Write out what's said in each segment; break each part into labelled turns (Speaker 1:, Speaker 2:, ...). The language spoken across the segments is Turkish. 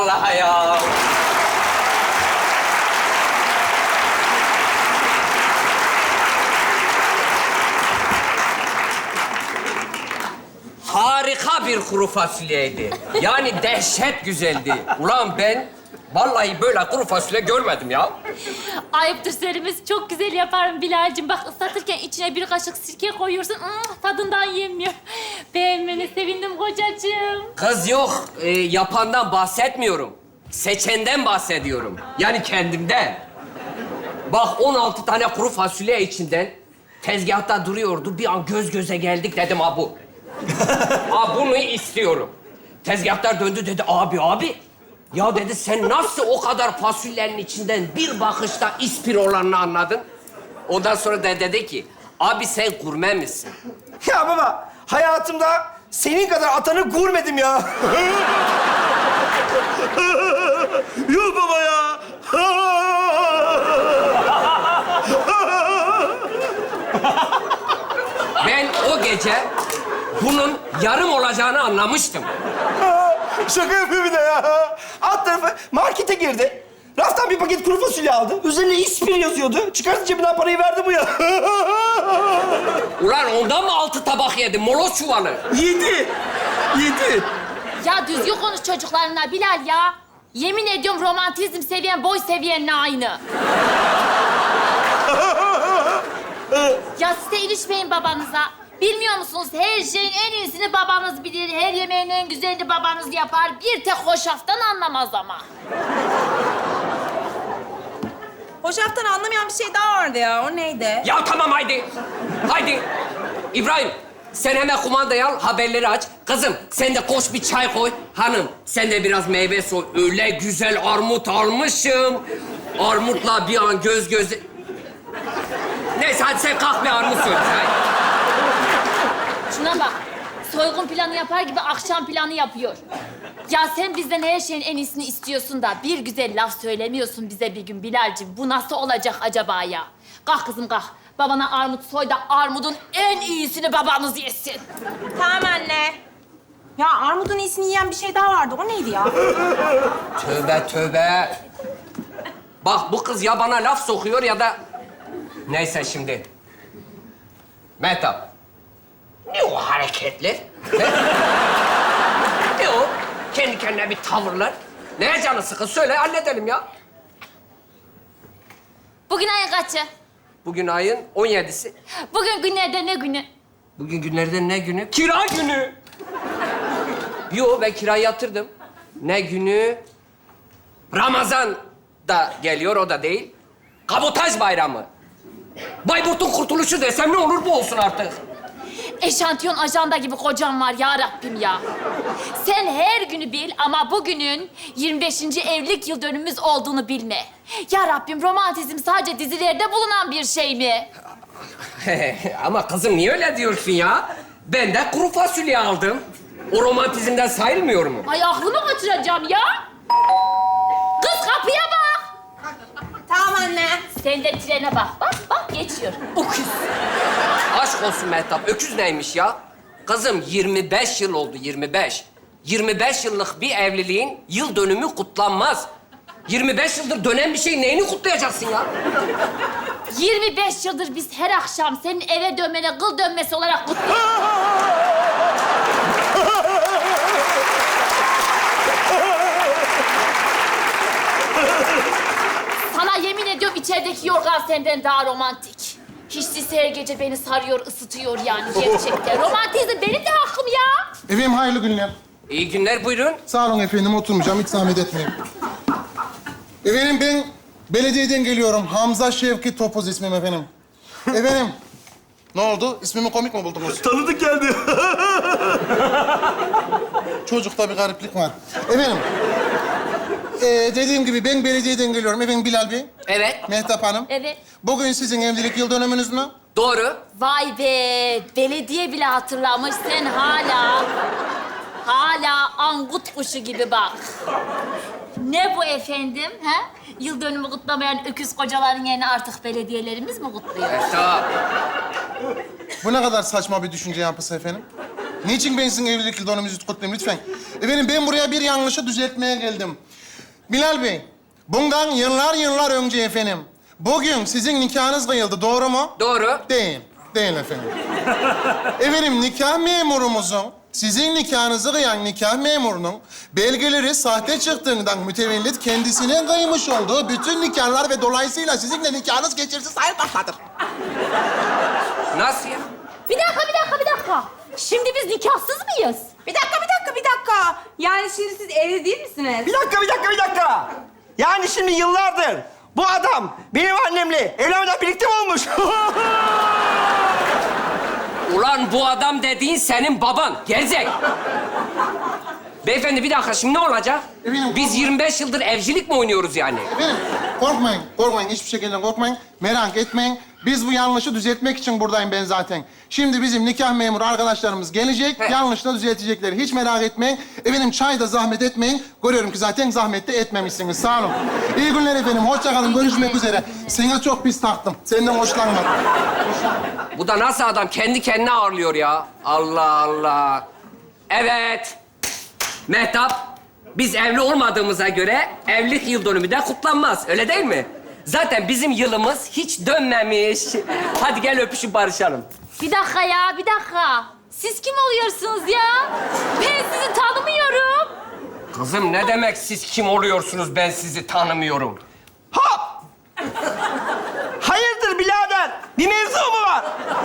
Speaker 1: vallahi ya. Harika bir kuru fasulyeydi. Yani dehşet güzeldi. Ulan ben vallahi böyle kuru fasulye görmedim ya.
Speaker 2: Ayıptır serimiz. Çok güzel yaparım Bilal'cim. Bak ıslatırken içine bir kaşık sirke koyuyorsun. Tadından yemiyor. Beğenmene sevindim kocacığım.
Speaker 1: Kız yok, yapandan bahsetmiyorum. Seçenden bahsediyorum. Yani kendimden. Bak 16 tane kuru fasulye içinden tezgahta duruyordu. Bir an göz göze geldik dedim ha bu. Ha bunu istiyorum. Tezgahtar döndü dedi abi. Ya dedi sen nasıl o kadar fasulyenin içinden bir bakışta ispir olanını anladın? Ondan sonra da dedi ki abi sen gurme misin?
Speaker 3: Ya baba, hayatımda senin kadar atanı görmedim ya. Yok baba ya.
Speaker 1: Ben o gece bunun yarım olacağını anlamıştım.
Speaker 3: Şaka yapıyor bir de ya. Alt tarafı markete girdi. Raftan bir paket kuru fasulye aldı. Üzerine ispir yazıyordu. Çıkarttı cebinden parayı verdi bu ya.
Speaker 1: Ulan ondan mı 6 tabak yedi? Moloz çuvalı.
Speaker 3: Yedi.
Speaker 2: Ya düzgün konuş çocuklarına Bilal ya. Yemin ediyorum romantizm seviyen boy seviyenle aynı. Ya siz de ilişmeyin babanıza. Bilmiyor musunuz? Her şeyin en iyisini babanız bilir. Her yemeğin en güzelini babanız yapar. Bir tek hoşaftan anlamaz ama.
Speaker 4: Hoşaftan anlamayan bir şey daha vardı ya. O neydi?
Speaker 1: Ya tamam haydi. Haydi. İbrahim sen hemen kumandayı al, haberleri aç. Kızım sen de koş bir çay koy. Hanım sen de biraz meyve soy. Öyle güzel armut almışım. Armutla bir an göz göze... Neyse hadi sen kalk bir armut söyle. Hadi.
Speaker 2: Şuna bak. Soygun planı yapar gibi akşam planı yapıyor. Ya sen bizden her şeyin en iyisini istiyorsun da bir güzel laf söylemiyorsun bize bir gün Bilal'cim. Bu nasıl olacak acaba ya? Kalk kızım kalk. Babana armut soy da armudun en iyisini babanız yesin.
Speaker 4: Tamam anne. Ya armudun iyisini yiyen bir şey daha vardı. O neydi ya?
Speaker 1: Tövbe. Bak bu kız ya bana laf sokuyor ya da... Neyse şimdi. Mehtap. Ne o hareketler? Ne o? Kendi kendine bir tavırlar. Neye canı sıkın? Söyle halledelim ya.
Speaker 2: Bugün ayın kaçı?
Speaker 1: Bugün ayın 17'si.
Speaker 2: Bugün günlerden ne günü?
Speaker 1: Bugün günlerden ne günü? Kira günü. Yo ben kirayı yatırdım. Ne günü? Ramazan da geliyor, o da değil. Kabotaj bayramı. Bayburt'un kurtuluşu desem ne olur bu olsun artık.
Speaker 2: Eşantiyon ajanda gibi kocam var ya Rabbim ya. Sen her günü bil ama bugünün 25. evlilik yıl dönümümüz olduğunu bilme. Ya Rabbim romantizm sadece dizilerde bulunan bir şey mi?
Speaker 1: Ama kızım niye öyle diyorsun ya? Ben de kuru fasulye aldım. O romantizmden sayılmıyor mu?
Speaker 2: Ay aklımı kaçıracağım ya. Kız kapıya bak.
Speaker 4: Tamam anne.
Speaker 2: Sen de trene bak. Bak geçiyor. Öküz.
Speaker 1: Aşk olsun Mehtap, öküz neymiş ya? Kızım 25 yıl oldu, 25. 25 yıllık bir evliliğin yıl dönümü kutlanmaz. 25 yıldır dönen bir şey neyini kutlayacaksın ya?
Speaker 2: 25 yıldır biz her akşam senin eve dönmene kıl dönmesi olarak kutluyoruz. Sana yemin ediyorum içerideki yorgan senden daha romantik. Hiç değilse her gece beni sarıyor, ısıtıyor yani gerçekten. Romantizm benim de hakkım ya.
Speaker 5: Efendim hayırlı günler.
Speaker 1: İyi günler, buyurun.
Speaker 5: Sağ olun efendim, oturmayacağım. Hiç zahmet etmeyin. Efendim ben belediyeden geliyorum. Hamza Şevki Topuz ismim efendim. Efendim, ne oldu? İsmimi komik mi buldunuz?
Speaker 3: Tanıdık geldi.
Speaker 5: Çocukta bir gariplik var. Efendim, dediğim gibi ben belediyeden geliyorum. Efendim Bilal Bey,
Speaker 1: Evet,
Speaker 5: Mehtap Hanım.
Speaker 2: Evet.
Speaker 5: Bugün sizin evlilik yıl dönümünüz mü?
Speaker 1: doğru.
Speaker 2: Vay be, belediye bile hatırlamış. Sen hala angut kuşu gibi bak. Ne bu efendim, ha? Yıl dönümü kutlamayan öküz kocaların yerine artık belediyelerimiz mi kutluyor?
Speaker 1: Mehtap.
Speaker 5: Bu ne kadar saçma bir düşünce yapısı efendim? Niçin ben sizin evlilik yıl dönümünüzü kutlayayım lütfen? Efendim ben buraya bir yanlışı düzeltmeye geldim. Bilal Bey, bundan yıllar önce efendim, bugün sizin nikahınız kıyıldı, doğru mu?
Speaker 1: Doğru.
Speaker 5: Değil, değil efendim. Efendim, nikah memurumuzun, sizin nikahınızı kıyan nikah memurunun belgeleri sahte çıktığından mütevellit kendisinin kıymış olduğu bütün nikahlar ve dolayısıyla sizinle nikahınız geçersiz sayılmaktadır.
Speaker 1: Nasıl ya?
Speaker 2: Bir dakika. Şimdi biz nikahsız mıyız?
Speaker 4: Bir dakika. Yani şimdi siz evli değil misiniz?
Speaker 3: Bir dakika. Yani şimdi yıllardır bu adam benim annemle evlenmeden birlikte mi olmuş?
Speaker 1: Ulan bu adam dediğin senin baban. Gerizek. Beyefendi bir dakika şimdi ne olacak?
Speaker 5: Efendim,
Speaker 1: Biz 25 yıldır evcilik mi oynuyoruz yani?
Speaker 5: Efendim, korkmayın. Hiçbir şekilde korkmayın. Merak etmeyin. Biz bu yanlışı düzeltmek için buradayım ben zaten. Şimdi bizim nikah memuru arkadaşlarımız gelecek,
Speaker 1: He.
Speaker 5: yanlışla düzeltecekler. Hiç merak etmeyin. Efendim, çay da zahmet etmeyin. Görüyorum ki zaten zahmet de etmemişsiniz. Sağ olun. İyi günler efendim. Hoşça kalın. Görüşmek üzere. Sana çok pis taktım. Senden hoşlanmadım.
Speaker 1: Bu da nasıl adam? Kendi kendine ağırlıyor ya. Allah Allah. Evet. Mehtap, biz evli olmadığımıza göre evlilik yıl dönümü de kutlanmaz. Öyle değil mi? Zaten bizim yılımız hiç dönmemiş. Hadi gel öpüşüp barışalım.
Speaker 2: Bir dakika. Siz kim oluyorsunuz ya? Ben sizi tanımıyorum.
Speaker 1: Kızım ne demek siz kim oluyorsunuz ben sizi tanımıyorum.
Speaker 3: Hop! Hayırdır birader? Bir mevzu mu var?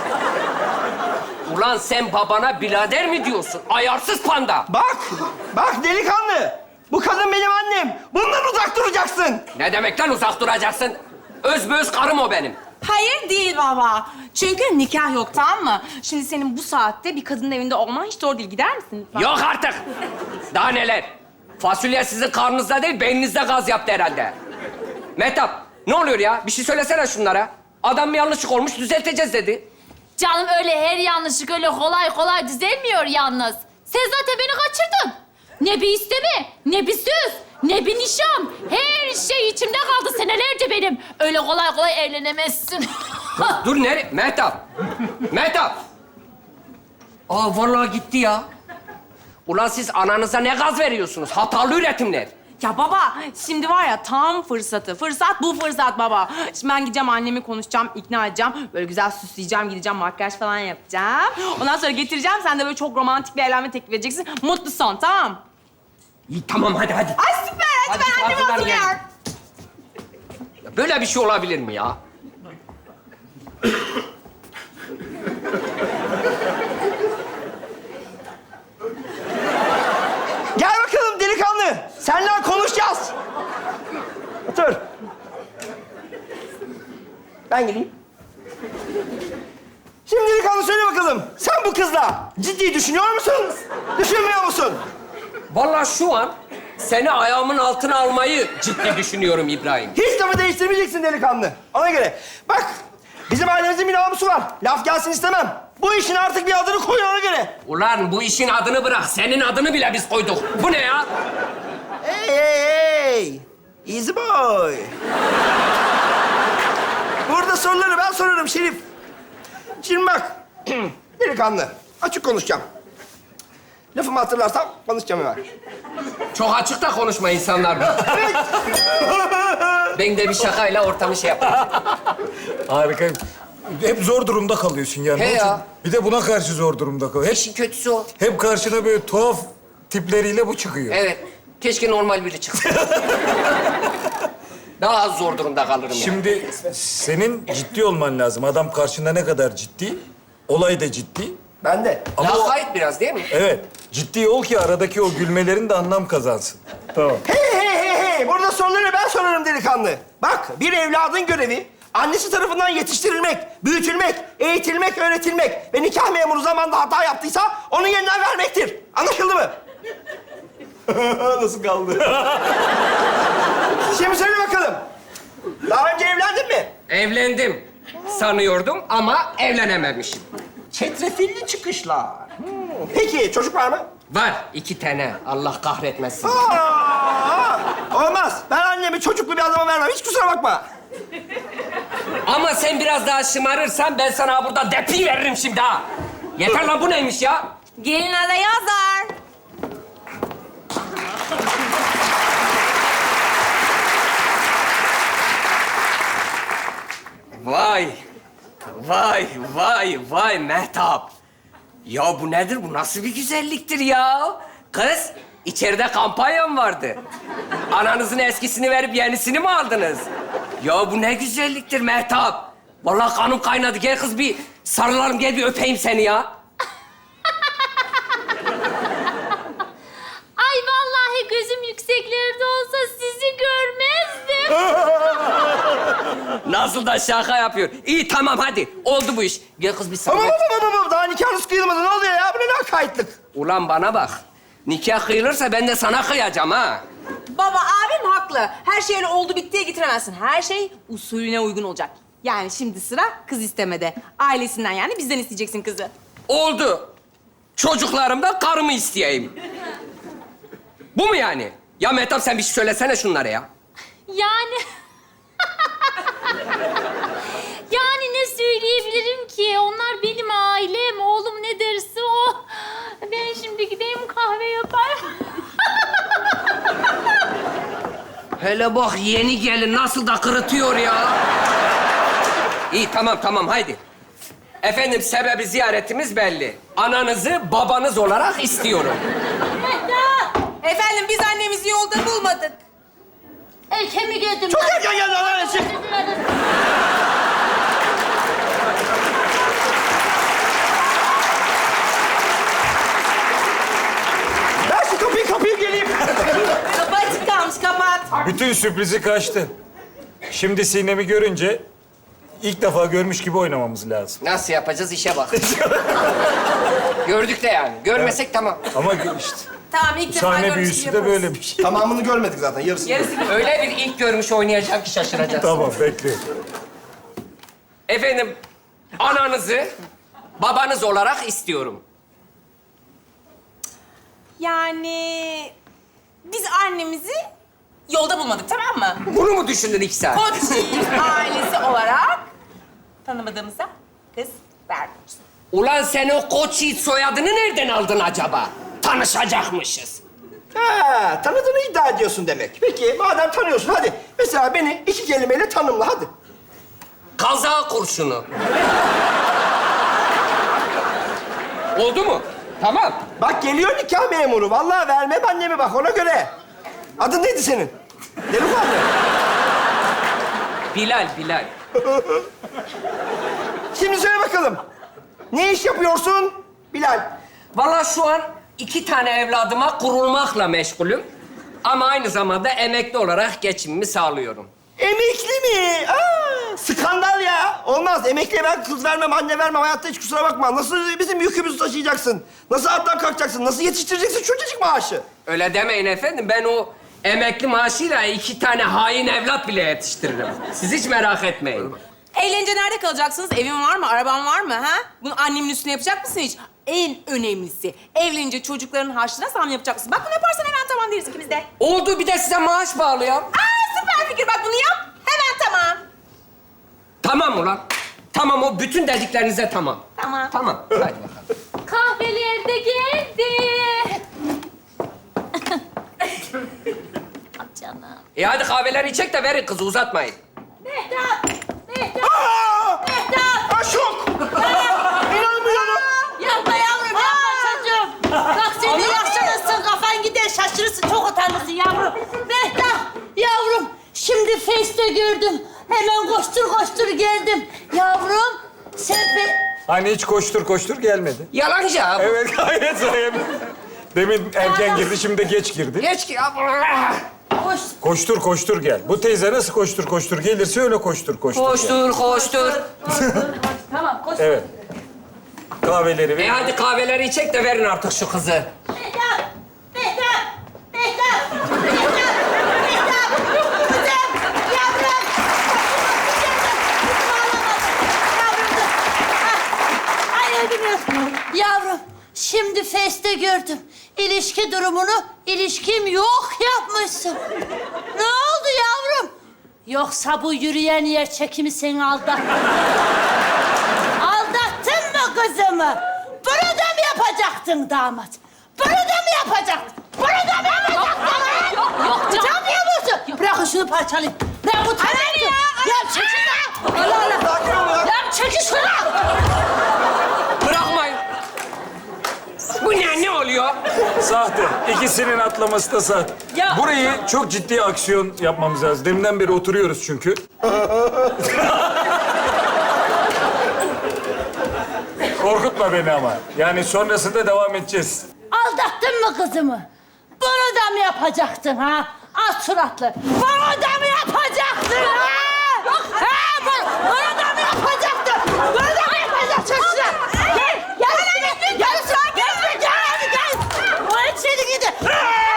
Speaker 1: Ulan sen babana birader mi diyorsun? Ayarsız panda.
Speaker 3: Bak delikanlı. Bu kadın benim annem. Bundan uzak duracaksın.
Speaker 1: Ne demek lan uzak duracaksın? Özbeöz karım o benim.
Speaker 4: Hayır değil baba. Çünkü nikah yok, tamam mı? Şimdi senin bu saatte bir kadının evinde olman hiç doğru değil. Gider misin lütfen?
Speaker 1: Yok artık. Daha neler? Fasulye sizin karnınızda değil, beyninizde gaz yaptı herhalde. Mehtap, ne oluyor ya? Bir şey söylesene şunlara. Adam bir yanlışlık olmuş, düzelteceğiz dedi.
Speaker 2: Canım öyle her yanlışlık öyle kolay düzelmiyor yalnız. Sen zaten beni kaçırdın. Ne bir isteme, ne bir söz, ne bir nişan. Her şey içimde kaldı senelerce benim. Öyle kolay evlenemezsin.
Speaker 1: Dur nereye? Mehtap. Mehtap. Aa vallahi gitti ya. Ulan siz ananıza ne gaz veriyorsunuz? Hatalı üretimler.
Speaker 4: Ya baba, şimdi var ya tam fırsatı. Fırsat bu fırsat baba. Şimdi ben gideceğim annemi konuşacağım, ikna edeceğim. Böyle güzel süsleyeceğim, gideceğim, makyaj falan yapacağım. Ondan sonra getireceğim, sen de böyle çok romantik bir evlenme teklif edeceksin. Mutlu son, tamam?
Speaker 1: İyi tamam hadi.
Speaker 4: Ay süper, hadi
Speaker 1: Hadi,
Speaker 4: ben annemi
Speaker 1: hazırlan,
Speaker 4: hazırlıyorum.
Speaker 1: Ya böyle bir şey olabilir mi ya?
Speaker 3: Gel bakalım delikanlı. Seninle konuşacağız. Otur. Ben geleyim. Şimdi delikanlı söyle bakalım. Sen bu kızla ciddi düşünüyor musun? Düşünmüyor musun?
Speaker 1: Vallahi şu an seni ayağımın altına almayı ciddi düşünüyorum İbrahim.
Speaker 3: Hiç lafı değiştirmeyeceksin delikanlı. Ona göre. Bak, bizim ailemizin bir namusu var. Laf gelsin istemem. Bu işin artık bir adını koy ona göre.
Speaker 1: Ulan bu işin adını bırak. Senin adını bile biz koyduk. Bu ne ya?
Speaker 3: Hey! Easy boy. Burada soruları ben sorarım Şerif. Şimdi bak, delikanlı. Açık konuşacağım. Lafımı hatırlarsam konuşacağım hemen.
Speaker 1: Çok açık da konuşma insanlar. Ben de bir şakayla ortamı şey yapayım.
Speaker 6: Harika. Hep zor durumda kalıyorsun yani.
Speaker 1: He
Speaker 6: Onun için
Speaker 1: ya.
Speaker 6: Bir de buna karşı zor durumda kalıyor.
Speaker 1: İşin kötüsü o.
Speaker 6: Hep karşına böyle tuhaf tipleriyle bu çıkıyor.
Speaker 1: Evet. Keşke normal biri çıksa. Daha az zor durumda kalırım yani.
Speaker 6: Şimdi senin ciddi olman lazım. Adam karşında ne kadar ciddi, olay da ciddi.
Speaker 3: Ben de.
Speaker 6: Ama o-
Speaker 1: Lakayt biraz değil mi?
Speaker 6: Evet, ciddi ol ki aradaki o gülmelerin de anlam kazansın. Tamam.
Speaker 3: Hey! Burada soruları ben sorarım delikanlı. Bak, bir evladın görevi annesi tarafından yetiştirilmek, büyütülmek, eğitilmek, öğretilmek ve nikah memuru zamanında hata yaptıysa onun yeniden vermektir. Anlaşıldı mı? Nasıl kaldı? Şimdi söyle bakalım. Daha önce evlendin mi?
Speaker 1: Evlendim sanıyordum ama evlenememişim.
Speaker 3: Çetrefilli çıkışlar. Peki, çocuk var mı?
Speaker 1: Var 2 tane. Allah kahretmesin.
Speaker 3: Olmaz. Ben annemi çocuklu bir adama vermem. Hiç kusura bakma.
Speaker 1: Ama sen biraz daha şımarırsan ben sana burada depi veririm şimdi ha. Yeter lan bu neymiş ya?
Speaker 4: Gelin adayı hazır.
Speaker 1: vay Mehtap. Ya bu nedir? Bu nasıl bir güzelliktir ya? Kız, içeride kampanyam vardı. Ananızın eskisini verip yenisini mi aldınız? Ya bu ne güzelliktir Mehtap. Vallahi kanım kaynadı. Gel kız bir sarılalım, gel bir öpeyim seni ya.
Speaker 2: Ay vallahi gözüm yükseklerde olsa sizi görmezdim.
Speaker 1: Nasıl da şaka yapıyor. İyi tamam hadi. Oldu bu iş. Gel kız bir sarıl.
Speaker 3: Tamam. Daha nikahınız kıyılmadı. Ne oluyor ya? Bu ne lakaytlık?
Speaker 1: Ulan bana bak. Nikah kıyılırsa ben de sana kıyacağım ha.
Speaker 4: Baba abim haklı. Her şey öyle oldu bittiye getiremezsin. Her şey usulüne uygun olacak. Yani şimdi sıra kız istemede. Ailesinden yani bizden isteyeceksin kızı.
Speaker 1: Oldu. Çocuklarımdan karımı isteyeyim. Bu mu yani? Ya Mehtap sen bir şey söylesene şunlara ya.
Speaker 2: Yani... Yani ne söyleyebilirim ki? Onlar benim ailem. Oğlum ne derse o. Ben şimdi gideyim kahve yaparım.
Speaker 1: Hele bak yeni gelin nasıl da kırıtıyor ya. İyi tamam haydi. Efendim sebebi ziyaretimiz belli. Ananızı babanız olarak istiyorum.
Speaker 4: Efendim biz annemizi yolda bulmadık.
Speaker 2: Erken mi geldim?
Speaker 3: Çok erken geldi anneannesi. Ben şu kapıyı geleyim.
Speaker 4: Kapı açık kalmış, kapat.
Speaker 6: Bütün sürprizi kaçtı. Şimdi Sinem'i görünce ilk defa görmüş gibi oynamamız lazım.
Speaker 1: Nasıl yapacağız işe bak. Gördük de yani. Görmesek tamam.
Speaker 6: Ama işte
Speaker 4: Tamam ilk defa
Speaker 6: sahne
Speaker 4: görmüş
Speaker 6: büyüsü
Speaker 4: gibi
Speaker 6: de
Speaker 4: yaparız.
Speaker 6: böyle bir şey.
Speaker 3: Tamamını görmedik zaten. Yarısını.
Speaker 4: Yarısı gibi.
Speaker 1: Öyle bir ilk görmüş oynayacağım ki şaşıracaksın.
Speaker 6: Tamam bekliyorum.
Speaker 1: Efendim ananızı babanız olarak istiyorum.
Speaker 4: Yani biz annemizi yolda bulmadık, tamam mı?
Speaker 1: Bunu mu düşündün 2 saat?
Speaker 4: Koç ailesi olarak tanımadığımıza kız vermiyoruz.
Speaker 1: Ulan sen o Koç Yiğit soyadını nereden aldın acaba? Tanışacakmışız.
Speaker 3: Ha, tanıdığını iddia ediyorsun demek. Peki madem tanıyorsun hadi. Mesela beni 2 kelimeyle tanımla hadi.
Speaker 1: Kaza kurşunu. Oldu mu? Tamam.
Speaker 3: Bak geliyor nikah memuru. Vallahi vermem annemi bak ona göre. Adın neydi senin? Delikanlı.
Speaker 1: Bilal.
Speaker 3: Şimdi söyle bakalım. Ne iş yapıyorsun Bilal?
Speaker 1: Vallahi şu an 2 tane evladıma kurulmakla meşgulüm. Ama aynı zamanda emekli olarak geçimimi sağlıyorum.
Speaker 3: Emekli mi? Aa, skandal ya. Olmaz. Emekliye ben kız vermem, anne vermem. Hayatta hiç kusura bakma. Nasıl bizim yükümüzü taşıyacaksın? Nasıl alttan kalkacaksın? Nasıl yetiştireceksin çocuk maaşı?
Speaker 1: Öyle demeyin efendim. Ben o emekli maaşıyla 2 tane hain evlat bile yetiştiririm. Siz hiç merak etmeyin.
Speaker 4: Eğlence nerede kalacaksınız? Evin var mı? Araban var mı? Ha? Bunu annemin üstüne yapacak mısın hiç? En önemlisi, evlenince çocukların harçlığına zam yapacak mısın? Bak bunu yaparsan hemen tamam deriz ikimiz de.
Speaker 1: Oldu bir de size maaş bağlayalım.
Speaker 4: Aa süper fikir. Bak bunu yap. Hemen tamam.
Speaker 1: Tamam ulan. Tamam o bütün dediklerinize tamam.
Speaker 4: Tamam.
Speaker 1: Tamam. Hadi bakalım.
Speaker 2: Kahveler de geldi. Canım.
Speaker 1: Hadi kahveleri içek de verin kızı uzatmayın.
Speaker 2: Mehtap!
Speaker 3: Aa!
Speaker 2: Mehtap!
Speaker 3: Aa, şok! İnanmıyorum.
Speaker 2: Yapma yavrum, yapma çocuğum. Bak sen de yaşlanırsın, kafan gider, şaşırırsın, çok utanırsın yavrum. Mehtap, yavrum, şimdi Face'te gördüm. Hemen koştur geldim. Yavrum, sen
Speaker 6: Hani hiç koştur gelmedi.
Speaker 1: Yalancı abi.
Speaker 6: Evet gayet sayemde. Demin erken girdi, şimdi de geç girdi.
Speaker 1: Geç ki abi.
Speaker 2: koş.
Speaker 6: Koştur gel. Bu teyze nasıl koştur gelirse öyle koştur gel.
Speaker 1: Koştur.
Speaker 2: Tamam, koş.
Speaker 6: Evet. Kahveleri ver.
Speaker 1: Hadi kahveleri içek de verin artık şu kızı.
Speaker 2: Mehtap! Mehtap! Mehtap! Mehtap! Mehtap! Kızım! Yavrum! Ay öldüm ya. Yavrum, şimdi Face'te gördüm. İlişki durumunu ilişkim yok yapmışsın. Ne oldu yavrum? Yoksa bu yürüyen yer çekimi seni aldattı. Aldattın mı kızımı? Bunu da mı yapacaktın damat? Bunu da mı yapacaktın? Bunu da mı yapacaktın? Yok canım. Utanmıyor musun? Bırakın şunu parçalayayım. Ben utanıyorum. Ya çekil lan. Allah Allah.
Speaker 3: Sakin ol ya.
Speaker 2: Ya çekil
Speaker 7: şunu!
Speaker 1: Bırakmayın. Bu ne oluyor?
Speaker 6: Sahte. İkisinin atlaması da sahte.
Speaker 4: Ya.
Speaker 6: Burayı çok ciddi aksiyon yapmamız lazım. Deminden beri oturuyoruz çünkü. Korkutma beni ama. Yani sonrasında devam edeceğiz.
Speaker 7: Aldattın mı kızımı? Bunu da mı yapacaktın ha? Az suratlı. Bunu da mı yapacaktın ha? Ha? Bunu da mı yapacaktın? Bunu da mı yapacaksın? Gel, gel, gel, gel. O içeri gidin.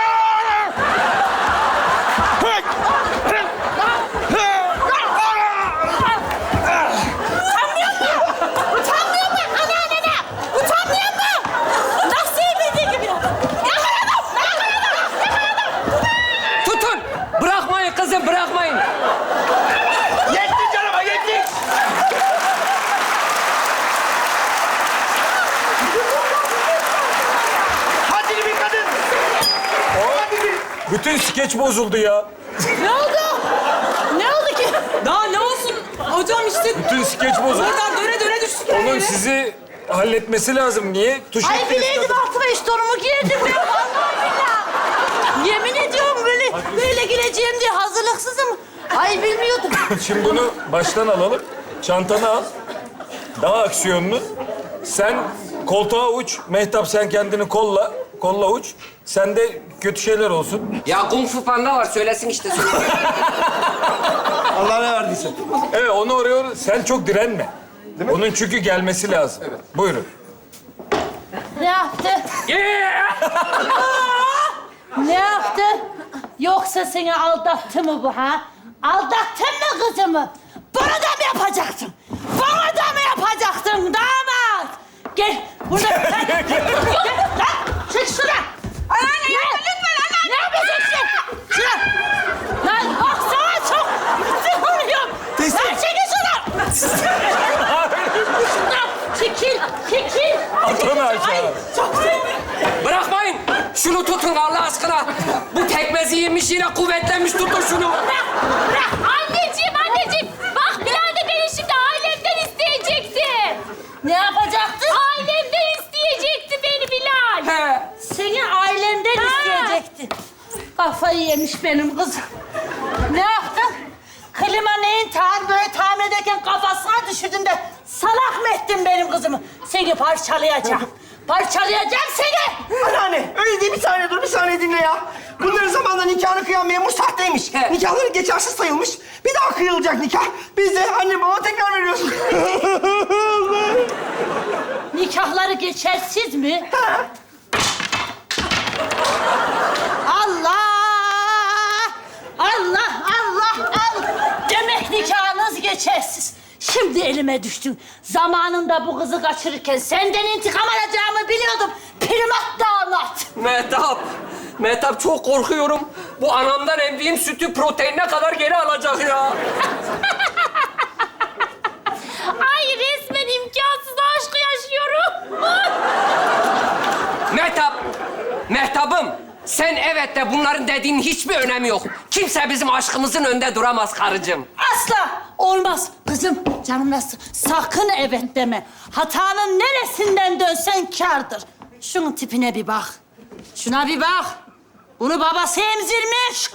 Speaker 7: Utanmıyor mu? Anneannene! Utanmıyor mu? Nasıl bildiği gibi? Yakaladım!
Speaker 1: Tutun. Bırakmayın kızım, bırakmayın.
Speaker 3: Yetti canıma, yetti. Hadi bir kadın. Hadi bir.
Speaker 6: Bütün skeç bozuldu ya.
Speaker 7: Ne oldu? Ne oldu ki?
Speaker 4: Daha ne olsun? Hocam işte
Speaker 6: Bütün skeç bozuldu.
Speaker 4: oradan döne döne düştük her
Speaker 6: Onun
Speaker 4: yere.
Speaker 6: sizi halletmesi lazım. Niye? Tuş
Speaker 7: Ay
Speaker 6: ettiniz
Speaker 7: bileydim
Speaker 6: kadın.
Speaker 7: altıma iş torumu giyirdim ben. Vallahi billahi. Yemin ediyorum böyle gireceğim diye hazırlıksızım. Ay bilmiyordum.
Speaker 6: Şimdi bunu baştan alalım. Çantanı al. Daha aksiyonlu. Sen koltuğa uç. Mehtap sen kendini kolla. Kolla uç. Sende kötü şeyler olsun.
Speaker 1: Ya Kung Fu Panda var, söylesin işte.
Speaker 3: Allah ne verdiyse.
Speaker 6: Evet onu oraya... Sen çok direnme. Onun çünkü gelmesi lazım. Evet. Buyurun.
Speaker 7: Ne yaptı? Ne yaptı? Yoksa seni aldattı mı bu ha? Aldattın mı kızımı? Bunu da mı yapacaktın? Bunu da mı yapacaktın damat? Gel burada. Gel lan çık şuna. Anneanne yapma lütfen anneanne. Ne yapacaksın? Şuna. Lan bak sana çok sıkılıyorum. Lan çekil şuna. Şuna çekil, çekil.
Speaker 6: At onu aşağı.
Speaker 1: Bırakmayın. Şunu tutun Allah aşkına. Bu pekmezi yemiş yine kuvvetlenmiş. Tutun şunu.
Speaker 7: Bırak.
Speaker 2: Anneciğim. Bak Bilal de beni şimdi ailemden isteyecekti.
Speaker 7: Ne yapacaktın?
Speaker 2: Ailemden isteyecekti beni Bilal.
Speaker 1: He.
Speaker 7: Seni ailemden isteyecekti. Kafayı yemiş benim kızım. Ne yaptın? Klima neyin böyle tamir ederken kafasına düşürdün de salak mı ettin benim kızımı? Seni parçalayacağım. Parçalayacağım seni.
Speaker 3: Anneanne, öyle değil. Bir saniye dur, bir saniye dinle ya. Bunların zamanında nikahını kıyan memur sahteymiş.
Speaker 1: He.
Speaker 3: Nikahları geçersiz sayılmış. Bir daha kıyılacak nikah. Biz de anne baba tekrar veriyoruz.
Speaker 7: Nikahları geçersiz mi? Allah! Allah, Allah, Allah! Demek nikahınız geçersiz. Şimdi elime düştün. Zamanında bu kızı kaçırırken senden intikam alacağımı biliyordum. Primat damat.
Speaker 1: Mehtap çok korkuyorum. Bu anamdan emdiğim sütü proteinine kadar geri alacak ya.
Speaker 2: Ay resmen imkansız aşkı yaşıyorum.
Speaker 1: Mehtap'ım. Sen evet de bunların dediğinin hiçbir önemi yok. Kimse bizim aşkımızın önünde duramaz karıcığım.
Speaker 7: Asla olmaz. Kızım, canım nasıl? Sakın evet deme. Hatanın neresinden dönsen kârdır. Şunun tipine bir bak. Şuna bir bak. Bunu babası emzirmiş.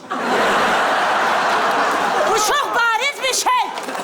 Speaker 7: Bu çok bariz bir şey.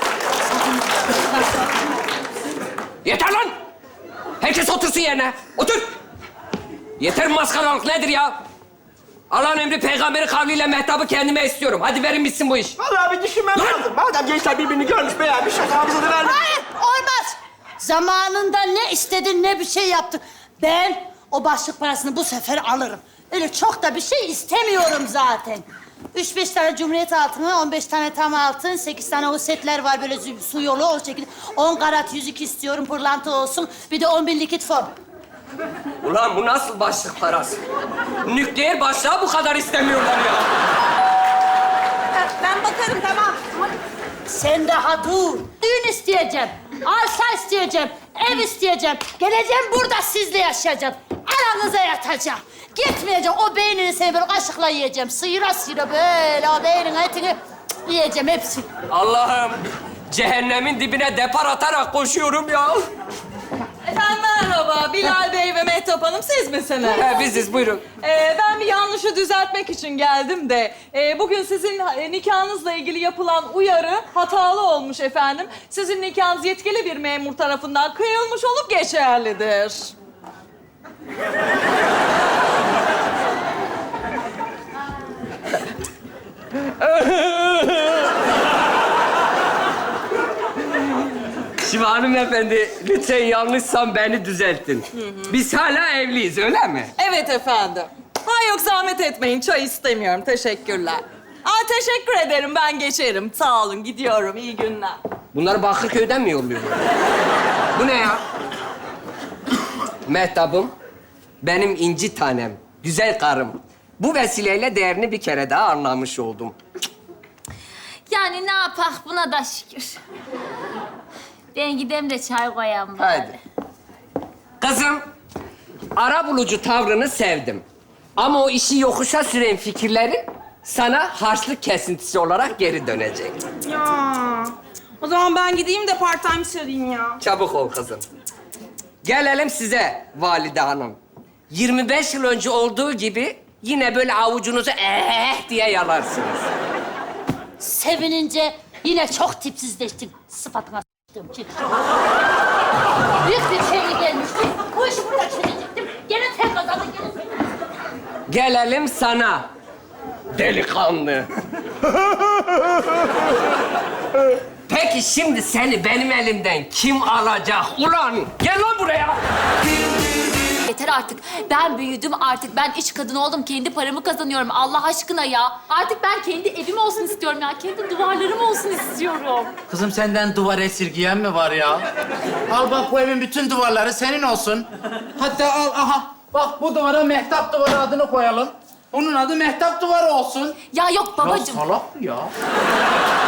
Speaker 1: Yeter lan! Herkes otursun yerine. Otur! Yeter maskaralık nedir ya? Allah'ın emri peygamberi kavliyle Mehtap'ı kendime istiyorum. Hadi verin bitsin bu iş.
Speaker 3: Vallahi bir düşünmem lazım. Madem gençler birbirini görmüş, beğenmiş, o zaman bize de vermiş.
Speaker 7: Hayır, olmaz. Zamanında ne istedin ne bir şey yaptın. Ben o başlık parasını bu sefer alırım. Öyle çok da bir şey istemiyorum zaten. 3-5 tane Cumhuriyet altını, 15 tane tam altın, 8 tane o setler var böyle su yolu o şekilde. 10 karat yüzük istiyorum, pırlanta olsun. Bir de 10 bin likit fon.
Speaker 1: Ulan bu nasıl başlık parası? Nükleer başlığa bu kadar istemiyorlar ya.
Speaker 4: Ben bakarım tamam.
Speaker 7: Sen daha dur. Düğün isteyeceğim, arsa isteyeceğim, ev isteyeceğim. Geleceğim burada sizle yaşayacağım. Aranıza yatacağım. Gitmeyeceğim. O beynini seni böyle kaşıkla yiyeceğim. Sıyıra sıyıra böyle o beynin etini yiyeceğim hepsini.
Speaker 1: Allah'ım cehennemin dibine depar atarak koşuyorum ya.
Speaker 8: Efendim merhaba, Bilal Bey ve Mehtap Hanım siz misiniz?
Speaker 1: He, biziz, buyurun.
Speaker 8: Ben bir yanlışı düzeltmek için geldim de... bugün sizin nikahınızla ilgili yapılan uyarı hatalı olmuş efendim. Sizin nikahınız yetkili bir memur tarafından kıyılmış olup geçerlidir.
Speaker 1: Şimdi hanımefendi, lütfen yanlışsam beni düzeltin. Biz hala evliyiz, öyle mi?
Speaker 8: Evet efendim. Ha yok zahmet etmeyin, çay istemiyorum. Teşekkürler. Teşekkür ederim, ben geçerim. Sağ olun, gidiyorum. İyi günler.
Speaker 1: Bunları Bakırköy'den mi yolluyorsun? Bu ne ya? Mehtap'ım, benim inci tanem, güzel karım. Bu vesileyle değerini bir kere daha anlamış oldum.
Speaker 2: Yani ne yapak buna da şükür. Ben gideyim de çay koyayım bari.
Speaker 1: Haydi. Kızım, arabulucu tavrını sevdim. Ama o işi yokuşa süren fikirleri sana harçlık kesintisi olarak geri dönecek.
Speaker 4: Ya. O zaman ben gideyim de part time sarayım ya.
Speaker 1: Çabuk ol kızım. Gelelim size Valide Hanım. 25 yıl önce olduğu gibi yine böyle avucunuzu diye yalarsınız.
Speaker 7: Sevinince yine çok tipsizleştin. Sıfatına s**tım ki. Büyük bir şey gelmişti. Bu işi burada çözecektim. Gene tek kazandın, gene tek kazandın.
Speaker 1: Gelelim sana. Delikanlı. Peki şimdi seni benim elimden kim alacak ulan? Gel lan buraya.
Speaker 2: Yeter artık. Ben büyüdüm artık. Ben iş kadını oldum. Kendi paramı kazanıyorum. Allah aşkına ya. Artık ben kendi evim olsun istiyorum ya. Kendi duvarlarım olsun istiyorum.
Speaker 9: Kızım senden duvar esirgiyen mi var ya? Al bak bu evin bütün duvarları senin olsun. Hatta al aha. Bak bu duvara Mehtap Duvarı adını koyalım. Onun adı Mehtap Duvarı olsun.
Speaker 2: Ya yok babacığım.
Speaker 9: Ya salak bu ya.